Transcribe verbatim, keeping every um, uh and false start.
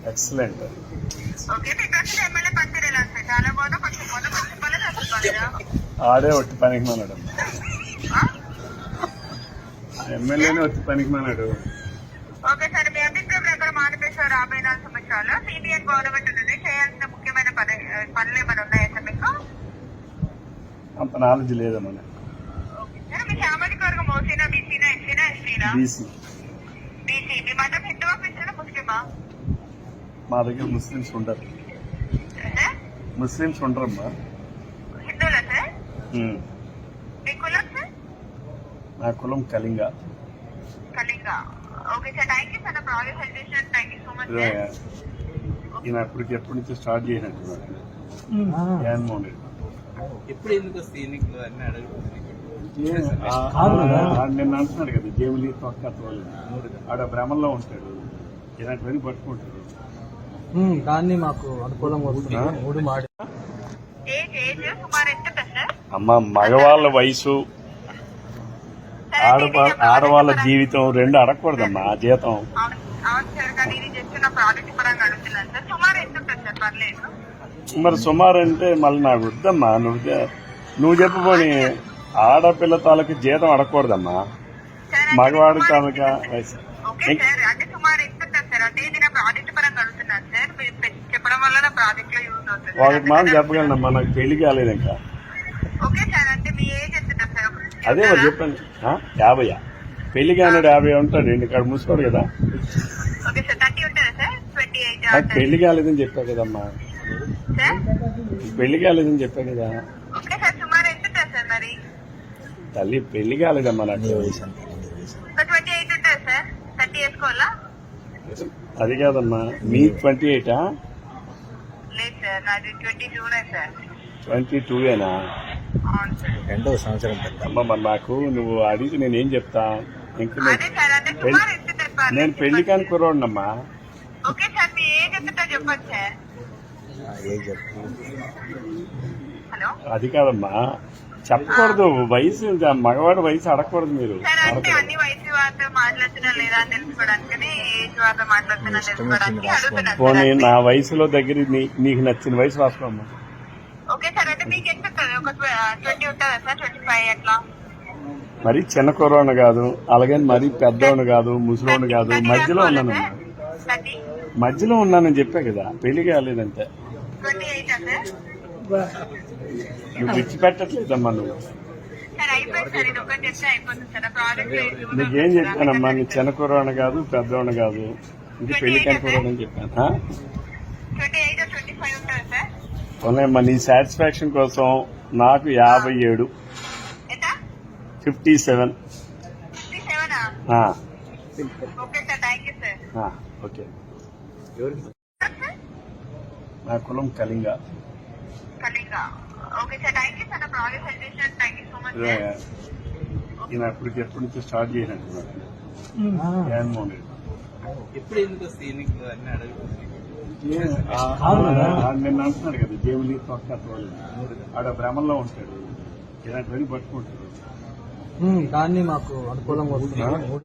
Excellent. Okay, మీకు వచ్చిన MLA పనితీరు ఎలా సార్? చాలా బాగుందా, కొంచెం బాగుందా, కొంచెం బాగాలేదు, అసలు బాగాలేదా? ఆడే వచ్చి పనికి మానాడు. ఆ? ఎమ్మెల్యేనే వచ్చి పనికి మానాడు. ఓకే సార్, మీ అభిప్రాయం ప్రకారం ఆంధ్రప్రదేశ్ రాబోయే నాలుగు సంవత్సరాలు సిబిఎన్ గవర్నమెంట్ నుండి చేయాల్సిన ముఖ్యమైన పని పనులు ఏమైనా ఉన్నాయా సార్ మీకు? అంత నాలెడ్జ్ లేదమ్మా. ఓకే సార్, మీ సామాజిక వర్గం ఓసీనా, బీసీనా, ఎస్సీనా, ఎస్టీనా? బీసీ. బీసీ. మీ మతం హిందువా, క్రిస్టియనా, ముస్లిమా? మా దగ్గర ముస్లిమ్స్ ఉండరు. సార్ ముస్లిమ్స్ ఉండరమ్మా. హిందువులా సార్? ఉమ్. మీ కులం సార్? నా కులం Kalinga. Kalinga. Okay sir, thank you sir. నా ప్రాజెక్ట్ హెల్ప్ చేసినందుకు thank you so much sir. ఈయన అప్పటికి ఎప్పటి నుంచి స్టార్ట్ చేసినట్టున్నారు జగన్మోహన్ రెడ్డి. ఎప్పుడు ఎందుకు వస్తాయి ఎన్నికలు అన్ని అడుగుతుంది. ఆడు నిన్న అంటున్నాడు కదా, జేబులి తొక్క వాళ్ళు ఆడ భ్రమంలో ఉంటాడు, ఇలాంటివన్నీ పట్టుకుంటాడు. దాన్ని మాకు అనుకూలంగా వస్తుంది. మూడు మాడి ఏజ్ ఏజ్ సుమారు ఎంత ఉంటుంది సార్? అమ్మ, మగవాళ్ళ వయసు ఆడ ఆడవాళ్ళ జీవితం రెండు అడగకూడదమ్మా. ఆ జీతం అవును అవును సార్, కానీ ఇది జస్ట్ నా ప్రాజెక్ట్ పరంగా అడుగుతున్నాను సార్. సుమారు ఎంత ఉంటుంది సార్? పర్లేదు. మరి సుమారు అంటే మళ్ళీ నాకు వద్దమ్మా. నువ్వు నువ్వు చెప్పబోని ఆడపిల్ల తాలూకు జీతం అడగకూడదమ్మా, మగవాడి తాలూకా వయసు. ఓకే సార్, అంటే సుమారు ఎంత ఉంటుంది సార్? అంటే ఇది నా ప్రాజెక్ట్ పరంగా అడుగుతున్నాను సార్. మీరు చెప్పడం వల్ల నా ప్రాజెక్ట్ లో యూజ్ అవుతుంది. ఒకటి మాట చెప్పగలనమ్మా, నాకు పెళ్లి కాలేదు ఇంకా. ఓకే సార్, అంటే మీ ఏజ్ ఎంత ఉంటుంది సార్? అదే మరి చెప్పండి. యాభై పెళ్లి కానాడు యాభై ఉంటాడు. ఇక్కడ మూసుకోడు కదా. ఓకే సార్, థర్టీ ఉంటుందా సార్? ట్వంటీ ఎయిట్ నాకు పెళ్లి కాలేదని చెప్పా కదమ్మా. సార్? పెళ్లి కాలేదని చెప్పా కదా ఓకే సార్, సుమారు ఎంత ఉంటుంది సార్ మరి? తల్లి. పెళ్లి కాలేదమ్మా నాకు. ట్వంటీ ఎయిట్ ఉంటుంది సార్. థర్టీ వేసుకోవాలా? అది కాదమ్మా, మీ ట్వంటీ ఎయిటా? లేదు సార్, నాది ట్వంటీ టూనే సార్. ట్వంటీ టూయేనా? అవును సార్. రెండవ సంవత్సరం అమ్మ, మరి నాకు నువ్వు అడిగితే నేనేం చెప్తా? ఇంక అదే సార్, అంటే సుమారు ఎంత చెప్పాలి? నేను పెళ్లి కాని కుర్రోడినమ్మా. ఓకే సార్, మీ ఏజ్ ఎంతటో చెప్పండి సార్. హలో. అది కాదమ్మా, చెప్పకూడదు వయసు. మగవాడి వయసు అడగకూడదు మీరు. సార్, అంటే అన్ని వయసు వారితో మాట్లాడుతున్నా లేదా అని తెలుసుకోవడానికి, ఏజ్ వారితో మాట్లాడుతున్నా తెలుసుకోవడానికి అడుగుతున్నాను పోనీ సార్. నా వయసులో దగ్గర నీ- నీకు నచ్చిన వయసు రాసుకోమ్మా. ఓకే సార్, అంటే మీకు ఎంత ఉంటుంది? ఒక ట్వంటీ ఉంటుందా సార్? ట్వంటీ ఫైవ్ అట్లా? మరి చిన్న కుర్రోడు కాదు, అలాగే మరీ పెద్దోడు కాదు, ముసలోడు కాదు, మధ్యలో ఉన్నానమ్మా. థర్టీ మధ్యలో ఉన్నానని చెప్పా కదా, పెళ్లి కాలేదంటే. Twenty eight sir? నువ్వు విడిచిపెట్టట్లేదమ్మా నువ్వు. సార్ అయిపోయింది సార్, ఇది ఒకటి చెప్తే అయిపోతుంది సార్. ప్రాజెక్ట్ నీకేం చెప్పానమ్మా, నీ చిన్న కుర్రోడు కాదు, పెద్దోడు కాదు, ఇది పెళ్లి కాని కుర్రోడు అని చెప్పాను. ట్వంటీ ఎయిట్ ట్వంటీ ఫైవ్ ఉంటుంది సార్? ఉన్నాయమ్మా, నీ సాటిస్ఫాక్షన్ కోసం నాకు యాభై ఏడు ఎంత? Fifty seven. ఫిఫ్టీ సెవెనా? Okay sir, thank you sir. Okay. ఎవరికి నా కులం Kalinga. Kalinga. Okay sir, thank you sir. నా ప్రాజెక్ట్ హెల్ప్ చేసినందుకు thank you so much sir. ఈయన అప్పటికి ఎప్పటి నుంచి స్టార్ట్ చేసినట్టున్నారు జగన్మోహన్ రెడ్డి. ఎప్పుడు ఎందుకు వస్తాయి ఎన్నికలు అన్ని అడుగుతుంది. ఆడు నిన్న అంటున్నాడు కదా, జేబులి తొక్క వాళ్ళు ఆడ భ్రమంలో ఉంటాడు, ఇలాంటివన్నీ పట్టుకుంటాడు. దాన్ని మాకు అనుకూలంగా వస్తుంది.